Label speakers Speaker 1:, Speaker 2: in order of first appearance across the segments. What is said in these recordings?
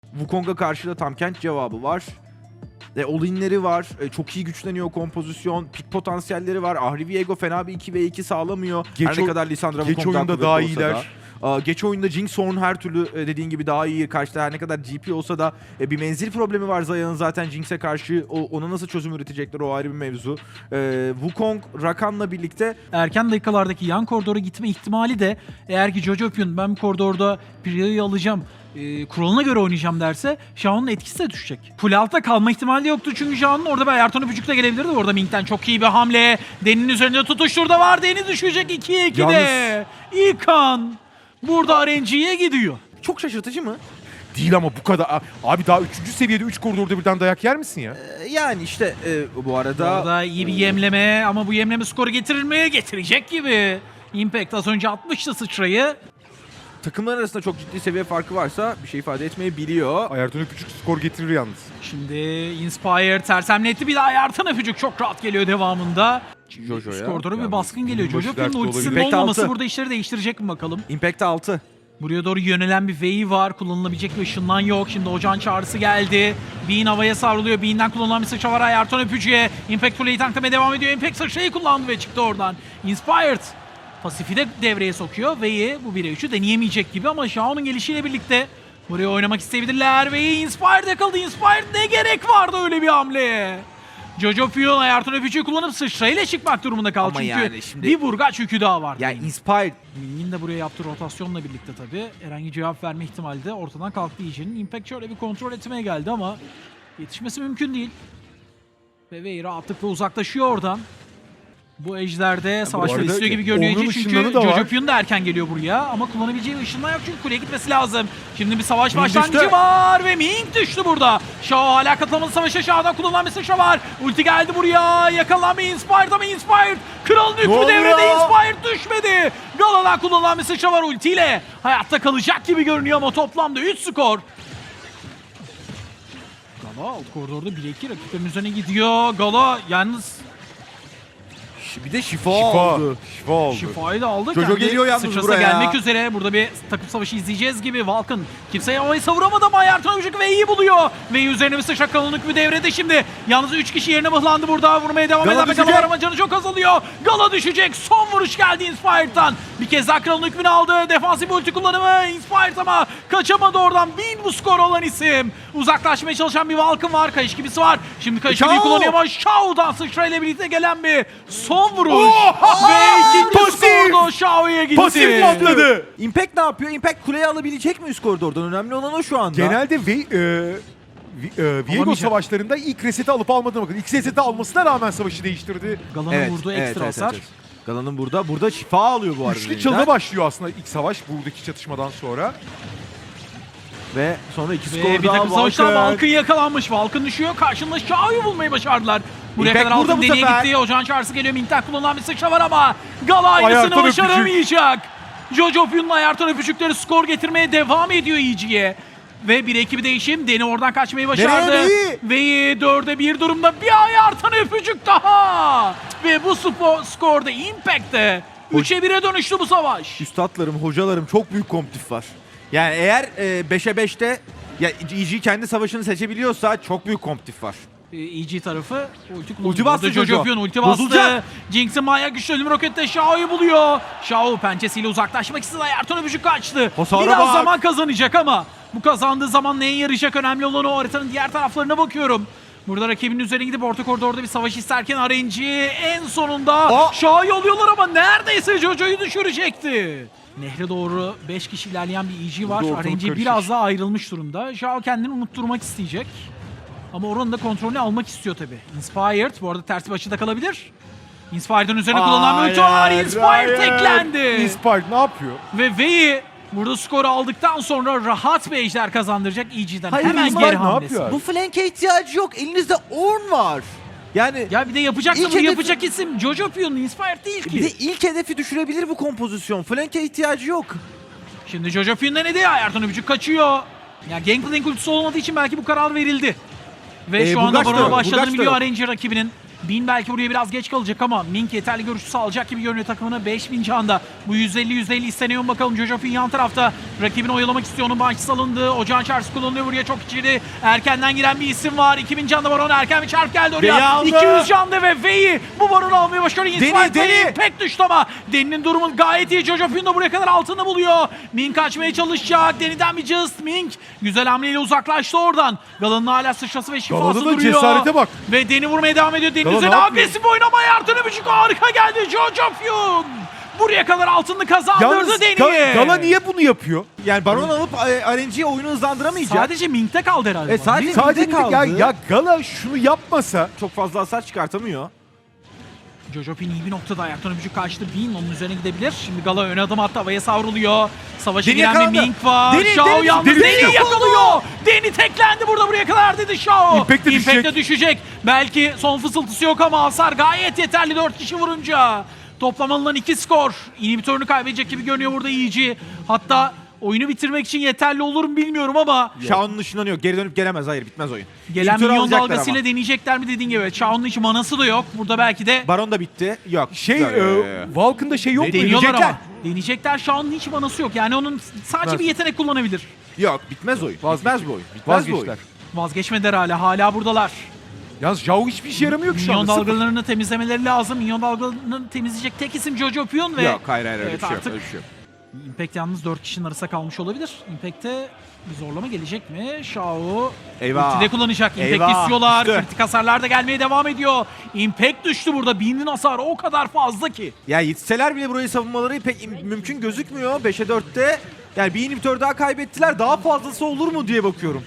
Speaker 1: Wukong'a karşı da tam kent cevabı var. All-in'leri var. Çok iyi güçleniyor kompozisyon. Pik potansiyelleri var. Ahri Viego fena bir 2v2 sağlamıyor. Her ne kadar Lissandra
Speaker 2: geç
Speaker 1: Wukong'dan
Speaker 2: oyunda
Speaker 1: kuvvetli
Speaker 2: daha
Speaker 1: olsa
Speaker 2: iyiler.
Speaker 1: da. Geç oyunda Jinx Horn her türlü dediğin gibi daha iyi. Karşıda her ne kadar GP olsa da bir menzil problemi var Zaya'nın zaten Jinx'e karşı. Ona nasıl çözüm üretecekler o ayrı bir mevzu. Wukong, Rakan'la birlikte
Speaker 3: Erken dakikalardaki yan koridora gitme ihtimali de eğer ki Jojopyun ben bu koridorda Pria'yı alacağım, kuralına göre oynayacağım derse Shao'nun etkisi de düşecek. Kule altta kalma ihtimali de yoktu çünkü Shao'nun orada bir Ayarton öpücük de gelebilirdi. Orada Ming'den çok iyi bir hamle. Deni'nin üzerinde tutuştur da var. Deni düşecek 2'ye 2'de. İlkan burada RNG'ye gidiyor.
Speaker 1: çok şaşırtıcı mı?
Speaker 2: Değil ama bu kadar. Abi daha 3. seviyede 3 koridorda birden dayak yer misin ya?
Speaker 1: Yani işte bu arada...
Speaker 3: Orada iyi bir yemleme ama bu yemleme skoru getirir mi? Getirecek gibi. Impact az önce atmıştı sıçrayı.
Speaker 1: Takımlar arasında çok ciddi seviye farkı varsa bir şey ifade etmeyebiliyor.
Speaker 2: Ayarton öpücük skor getirir yalnız.
Speaker 3: Şimdi Inspire tersemletti, bir daha Ayartan öpücük çok rahat geliyor devamında.
Speaker 1: Jojo'ya.
Speaker 3: Skortora bir
Speaker 2: Yalnız
Speaker 3: baskın geliyor.
Speaker 2: bunun başı
Speaker 3: Jojopyun'un
Speaker 2: dertte
Speaker 3: ultisinin
Speaker 1: olabilir.
Speaker 3: olmaması
Speaker 1: Impact
Speaker 3: burada işleri değiştirecek mi bakalım?
Speaker 1: Impact 6.
Speaker 3: Buraya doğru yönelen bir V'yi var. Kullanılabilecek bir ışınlan yok. Şimdi ocağın çağrısı geldi. Bean havaya savruluyor. Bean'den kullanılan bir sıçra var Ayarton öpücüğe. Impact kuleyi tanklamaya devam ediyor. Impact sıçrayı kullandı ve çıktı oradan. Inspired pasifi de devreye sokuyor. V'yi bu 1'e 3'ü deneyemeyecek gibi ama Shao'nun gelişiyle birlikte buraya oynamak isteyebilirler. V'yi Inspired yakaladı. Inspired ne gerek vardı öyle bir hamleye? Jojopyun Ayarton öpücüğü kullanıp sıçrayla çıkmak durumunda kaldı.
Speaker 1: Ama
Speaker 3: Çünkü
Speaker 1: yani şimdi-
Speaker 3: bir vurgaç yükü daha vardı.
Speaker 1: Yani Inspired
Speaker 3: Ming'in de buraya yaptığı rotasyonla birlikte tabii herhangi cevap verme ihtimali de ortadan kalktı iyice'nin. Impact şöyle bir kontrol etmeye geldi ama yetişmesi mümkün değil. Ve Vey rahatlıkla uzaklaşıyor oradan. Bu ejderde savaşları
Speaker 2: arada
Speaker 3: istiyor gibi görünüyor
Speaker 2: onun
Speaker 3: iyice çünkü
Speaker 2: ışınlanı da var.
Speaker 3: Jojopyun da erken geliyor buraya ama kullanabileceği bir ışınlan yok çünkü kuleye gitmesi lazım. Şimdi bir savaş
Speaker 1: Ming
Speaker 3: başlangıcı
Speaker 1: düştü.
Speaker 3: var ve Ming düştü burada. Shao hala katılamadı savaşa. Shao'dan kullanılan bir sıçra var. Ulti geldi buraya. Yakalanan bir Inspired ama Inspired kralın hükmü
Speaker 2: oluyor?
Speaker 3: devrede. Inspired düşmedi. Gala'dan kullanılan bir sıçra var ultiyle. Hayatta kalacak gibi görünüyor ama toplamda 3 skor. Gala alt koridorda 1-2 rakiplerin üzerine gidiyor. Gala yalnız
Speaker 1: bir de şifa
Speaker 2: Şifa.
Speaker 1: aldı.
Speaker 2: Şifa oldu.
Speaker 3: şifayı da aldı.
Speaker 1: Jojo
Speaker 3: Kendi
Speaker 1: geliyor yalnız
Speaker 3: sıçrası
Speaker 1: buraya.
Speaker 3: gelmek üzere. Burada bir takım savaşı izleyeceğiz gibi. Vulcan kimseye havayı savuramadı ama Ayarton öpücük ve iyi buluyor. Ve üzerine bir sıçra kalınlık bir devrede şimdi. Yalnız 3 kişi yerine mıhlandı burada. Vurmaya devam
Speaker 1: Gala
Speaker 3: eden bir
Speaker 1: düşecek.
Speaker 3: Gala var ama canı çok azalıyor. Gala düşecek. Son vuruş geldi Inspired'dan. Bir kez daha kralın hükmünü aldı. Defansif ulti kullanımı. Inspired ama kaçamadı oradan. Bin bu skor olan isim. Uzaklaşmaya çalışan bir Vulcan var. Kayış gibisi var. Şimdi kayış
Speaker 1: Shao!
Speaker 3: gibiyi kullanıyor ama Shao'dan sıçrayla birlikte gelen bir son vuruş. Ve ikinci
Speaker 2: Pasif!
Speaker 3: skorda Shao'ya gitti.
Speaker 2: Pasif patladı.
Speaker 1: Impact ne yapıyor? Impact kuleyi alabilecek mi üst koridordan? Önemli olan o şu anda.
Speaker 2: Genelde Viego
Speaker 3: Alamayacak.
Speaker 2: savaşlarında ilk reseti alıp almadığına bakın. İlk reseti almasına rağmen savaşı değiştirdi.
Speaker 3: Gala'nın vurduğu ekstra hasar.
Speaker 1: Gala'nın burada şifa alıyor bu arada.
Speaker 2: Üçlü
Speaker 1: elinden.
Speaker 2: çalına başlıyor aslında ilk savaş buradaki çatışmadan sonra.
Speaker 1: Ve sonra iki skor
Speaker 3: Ve bir
Speaker 1: daha
Speaker 3: takım savaşlar
Speaker 1: Vulcan.
Speaker 3: Vulcan yakalanmış. Vulcan düşüyor. Karşında Shao'yu bulmayı başardılar. Buraya
Speaker 1: Impact
Speaker 3: kadar
Speaker 1: burada
Speaker 3: altın
Speaker 1: bu
Speaker 3: deliğe
Speaker 1: sefer.
Speaker 3: gitti. Ocağın çağrısı geliyor. Ming'den kullanılan bir sıçra var ama Gala aynısını
Speaker 2: Ayarton öpücük.
Speaker 3: başaramayacak. Jojopyun'un Ayarton öpücükleri skor getirmeye devam ediyor iyice. Ve bir ekibi değişim. Deni oradan kaçmayı başardı.
Speaker 1: Nereye?
Speaker 3: Ve 4'e 1 durumda bir Ayarton öpücük daha. Ve bu skorda Impact'te 3'e 1'e dönüştü bu savaş.
Speaker 1: Üstadlarım, hocalarım çok büyük komptif var. Yani eğer 5'e 5'te ya EG kendi savaşını seçebiliyorsa çok büyük komptif var.
Speaker 3: EG tarafı ulti kullanıyor.
Speaker 1: Ulti bastı
Speaker 3: Burada
Speaker 1: Jojo.
Speaker 3: Jojopyun ulti bastı.
Speaker 1: Bozulacak.
Speaker 3: Jinx'in manyak güçlü ölüm rokette Shao'yu buluyor. Shao pençesiyle uzaklaşmak istedi. Ayarton öpücük kaçtı.
Speaker 1: Hasara
Speaker 3: Biraz
Speaker 1: bak.
Speaker 3: zaman kazanacak ama bu kazandığı zaman neye yarayacak önemli olan o. Haritanın diğer taraflarına bakıyorum. Burada rakibinin üzerine gidip orta koridorda bir savaş isterken RNG en sonunda Shao'yu alıyorlar ama neredeyse Jojo'yu düşürecekti. Nehre doğru 5 kişi ilerleyen bir EG var.
Speaker 2: Burada ortalık
Speaker 3: RNG
Speaker 2: karışır.
Speaker 3: biraz daha ayrılmış durumda. Shao kendini unutturmak isteyecek. Ama oranın da kontrolünü almak istiyor tabi. Inspired bu arada tersi açıda kalabilir. Inspired'ın üzerine kullanılan bir ulti var. Inspired teklendi.
Speaker 2: Inspired ne yapıyor?
Speaker 3: Ve Vey'i burada skoru aldıktan sonra rahat bir ejder kazandıracak EG'den.
Speaker 1: Hayır,
Speaker 3: Hemen
Speaker 1: Inspired
Speaker 3: geri
Speaker 2: ne
Speaker 3: hamlesi.
Speaker 2: yapıyor?
Speaker 1: Bu flank'e ihtiyacı yok. Elinizde Ornn var. Yani
Speaker 3: Ya bir de yapacaksa
Speaker 1: İlk
Speaker 3: bunu
Speaker 1: hedefi-
Speaker 3: yapacak isim Jojopyun, Inspired değil ki.
Speaker 1: bir de ilk hedefi düşürebilir bu kompozisyon. Flank'e ihtiyacı yok.
Speaker 3: Şimdi Jojopyun denedi. Ayarton öpücük kaçıyor. Ya Gangplank ultisi olmadığı için belki bu karar verildi. Ve şu anda
Speaker 1: Burgaç da
Speaker 3: barona
Speaker 1: yok,
Speaker 3: başladığını
Speaker 1: Burgaç da
Speaker 3: biliyor
Speaker 1: yok.
Speaker 3: RNG rakibinin. Bin belki buraya biraz geç kalacak ama Mink yeterli görüşü sağlayacak gibi görünüyor takımına. 5000 canda. Bu 150 isteniyor mu bakalım. Jojofin yan tarafta. Rakibini oyalamak istiyor. Onun bahçesi salındı. Ocağın çarşı kullanılıyor buraya çok içeri. Erkenden giren bir isim var. 2000 canda Baron. Erken bir çarp geldi
Speaker 1: V'yi
Speaker 3: oraya.
Speaker 1: aldı.
Speaker 3: 200 canda ve V'yi bu Baron'u almaya başarıyor.
Speaker 1: Deni.
Speaker 3: Pek düştü ama Deni'nin durumu gayet iyi. Jojofin de buraya kadar altını buluyor. Mink kaçmaya çalışacak. Deni'den bir just. Mink güzel hamleyle uzaklaştı oradan. Galan'ın hala sıçrası ve şifası
Speaker 2: Galan'ın da
Speaker 3: duruyor.
Speaker 2: cesarete bak.
Speaker 3: Ve Deni vurmaya devam ediyor. Deni
Speaker 2: Galan
Speaker 3: üzerine
Speaker 2: ne yapıyor?
Speaker 3: agresif oynamaya Ertan Öpücük harika geldi. Jojofin buraya kadar altını kazandırdı
Speaker 2: Yalnız
Speaker 3: Deni'ye.
Speaker 2: Gala niye bunu yapıyor?
Speaker 1: Yani Baron alıp RNG'ye oyunu hızlandıramayacak.
Speaker 3: Sadece Mink'te kaldı herhalde.
Speaker 1: Sadece
Speaker 2: Sadece
Speaker 1: Mid'de kaldı.
Speaker 2: ya Gala şunu yapmasa
Speaker 1: Çok fazla hasar çıkartamıyor.
Speaker 3: Jojofin iyi bir noktada ayaktan öpücük kaçtı. Bin onun üzerine gidebilir. Şimdi Gala ön adım attı. Havaya savruluyor. Savaşa
Speaker 1: Deni
Speaker 3: giren bir
Speaker 1: yakalandı.
Speaker 3: Mink var.
Speaker 1: Deni,
Speaker 3: Shao
Speaker 1: Deni,
Speaker 3: yalnız
Speaker 2: Deni
Speaker 3: Deni yakalıyor. Deni teklendi burada buraya kadar dedi Shao.
Speaker 2: Impact de düşecek.
Speaker 3: Impact de düşecek. Belki son fısıltısı yok ama hasar gayet yeterli 4 kişi vurunca. Toplam alınan 2 skor. İnhibitörünü kaybedecek gibi görünüyor burada Yiğici. Hatta oyunu bitirmek için yeterli olur mu bilmiyorum ama
Speaker 1: Shao'nun ışınlanıyor. Geri dönüp gelemez. Hayır bitmez oyun.
Speaker 3: gelen
Speaker 1: İntihar
Speaker 3: milyon
Speaker 1: alacaklar
Speaker 3: dalgasıyla
Speaker 1: ama.
Speaker 3: deneyecekler mi dediğin gibi. Shao'nun hiç manası da yok. Burada belki de
Speaker 1: Baron da bitti. Yok.
Speaker 2: Valk'ın da şey yok mu?
Speaker 3: deniyorlar
Speaker 1: deneyecekler.
Speaker 3: ama. Deneyecekler. Shao'nun hiç manası yok. Yani onun sadece bir yetenek kullanabilir.
Speaker 1: Yok bitmez oyun. Bitmez bu oyun. Bitmez bu
Speaker 2: Vazgeçtiler.
Speaker 1: oyun.
Speaker 3: Vazgeçmediler hala buradalar.
Speaker 2: Yalnız Zhao hiçbir işe yaramıyor ki şu
Speaker 3: Minyon
Speaker 2: anda. Sıfır.
Speaker 3: dalgalarını temizlemeleri lazım. Minyon dalgalarını temizleyecek tek isim Jojo Pyun ve
Speaker 1: Yok hayır öyle
Speaker 3: evet,
Speaker 1: bir şey yok.
Speaker 3: artık
Speaker 1: Öyle bir şey yok.
Speaker 3: Impact yalnız 4 kişinin arasında kalmış olabilir. Impact'te bir zorlama gelecek mi? Shao
Speaker 1: Eyvah.
Speaker 3: ultide kullanacak. Impact
Speaker 1: Eyvah,
Speaker 3: istiyorlar.
Speaker 1: düştü.
Speaker 3: Kritik hasarlar da gelmeye devam ediyor. Impact düştü burada. Bean'in hasarı o kadar fazla ki.
Speaker 1: Ya yetişseler bile burayı savunmaları pek mümkün gözükmüyor. 5'e 4'te. Yani bir inhibitör daha kaybettiler. Daha fazlası olur mu diye bakıyorum.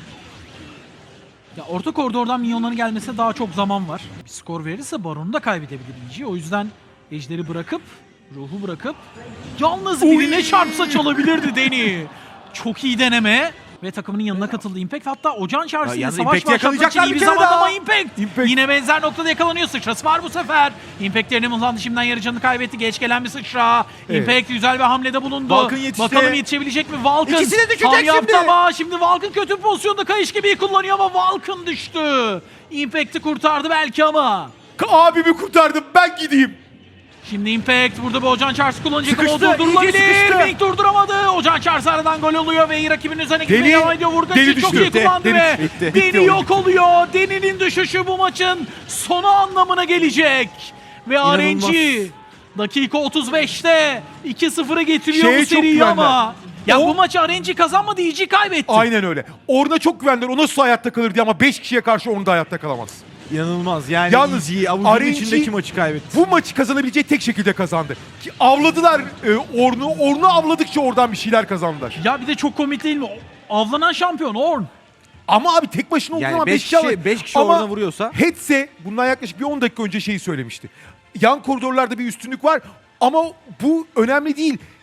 Speaker 3: Ya orta koridordan minyonların gelmesine daha çok zaman var. Bir skor verirse Baron'u da kaybedebilir Yiğici. O yüzden Ejder'i bırakıp, ruhu bırakıp yalnız birine çarpsa çalabilirdi Deni. Çok iyi deneme. Ve takımının yanına katıldı Impact. Hatta Ocağın çağrısıyla
Speaker 1: yalnız
Speaker 3: savaş
Speaker 1: Impact'i
Speaker 3: başlatmak için
Speaker 1: yakalayacaklar
Speaker 3: iyi bir
Speaker 1: bir kere
Speaker 3: zamanlama
Speaker 1: daha.
Speaker 3: Impact. Yine benzer noktada yakalanıyor. Sıçrası var bu sefer. Impact yerini mızlandı. Şimdiden yarı canını kaybetti. Geç gelen bir sıçra.
Speaker 2: Evet.
Speaker 3: Impact güzel bir hamlede bulundu.
Speaker 1: Valk'ın yetişti.
Speaker 3: Bakalım yetişebilecek mi? Valk'ın
Speaker 1: İkisi de düşecek
Speaker 3: ham yaptı
Speaker 1: şimdi.
Speaker 3: ama şimdi Valk'ın kötü bir pozisyonda kayış gibi kullanıyor ama Valk'ın düştü. Impact'i kurtardı belki ama.
Speaker 2: Abimi kurtardım, ben gideyim.
Speaker 3: Şimdi Impact burada bir Ocağın Çarşı kullanacak ama o
Speaker 1: Sıkıştı, iyice
Speaker 3: durdurulabilir.
Speaker 1: sıkıştı.
Speaker 3: Mink durduramadı. Ocağın Çarşı aradan gol oluyor ve rakibinin üzerine gitmeye
Speaker 2: Deni-
Speaker 3: devam ediyor. Vurgaç'ı
Speaker 2: Deni
Speaker 3: çok
Speaker 2: düştü.
Speaker 3: iyi kullandı
Speaker 2: Deni
Speaker 3: ve
Speaker 1: bitti.
Speaker 3: Deni
Speaker 2: Bitti oyun,
Speaker 3: yok oluyor. Deni'nin düşüşü bu maçın sonu anlamına gelecek. Ve
Speaker 1: İnanılmaz.
Speaker 3: RNG dakika 35'te 2-0'a getiriyor
Speaker 2: Şeye
Speaker 3: bu
Speaker 2: çok
Speaker 3: seriyi
Speaker 2: güvenler.
Speaker 3: ama. Ya
Speaker 2: O-
Speaker 3: bu maçı RNG kazanmadı, EG kaybetti.
Speaker 2: Aynen öyle. Orada çok güvendiler. O nasıl hayatta kalır diye ama 5 kişiye karşı onu da hayatta kalamaz.
Speaker 1: İnanılmaz. Yani
Speaker 2: Yalnız
Speaker 1: EG avucunun
Speaker 2: RNG
Speaker 1: içindeki maçı kaybetti.
Speaker 2: Bu maçı kazanabileceği tek şekilde kazandı. Ki avladılar Ornn'u. Ornn'u avladıkça oradan bir şeyler kazandılar.
Speaker 3: Ya bir de çok komik değil mi? Avlanan şampiyon Ornn.
Speaker 2: Ama abi tek başına olduğu
Speaker 1: Yani
Speaker 2: zaman
Speaker 1: 5
Speaker 2: beş kişi alır.
Speaker 1: kişi, 5 kişi
Speaker 2: Ama
Speaker 1: orada vuruyorsa.
Speaker 2: Hetse bundan yaklaşık bir 10 dakika önce şeyi söylemişti. Yan koridorlarda bir üstünlük var ama bu önemli değil.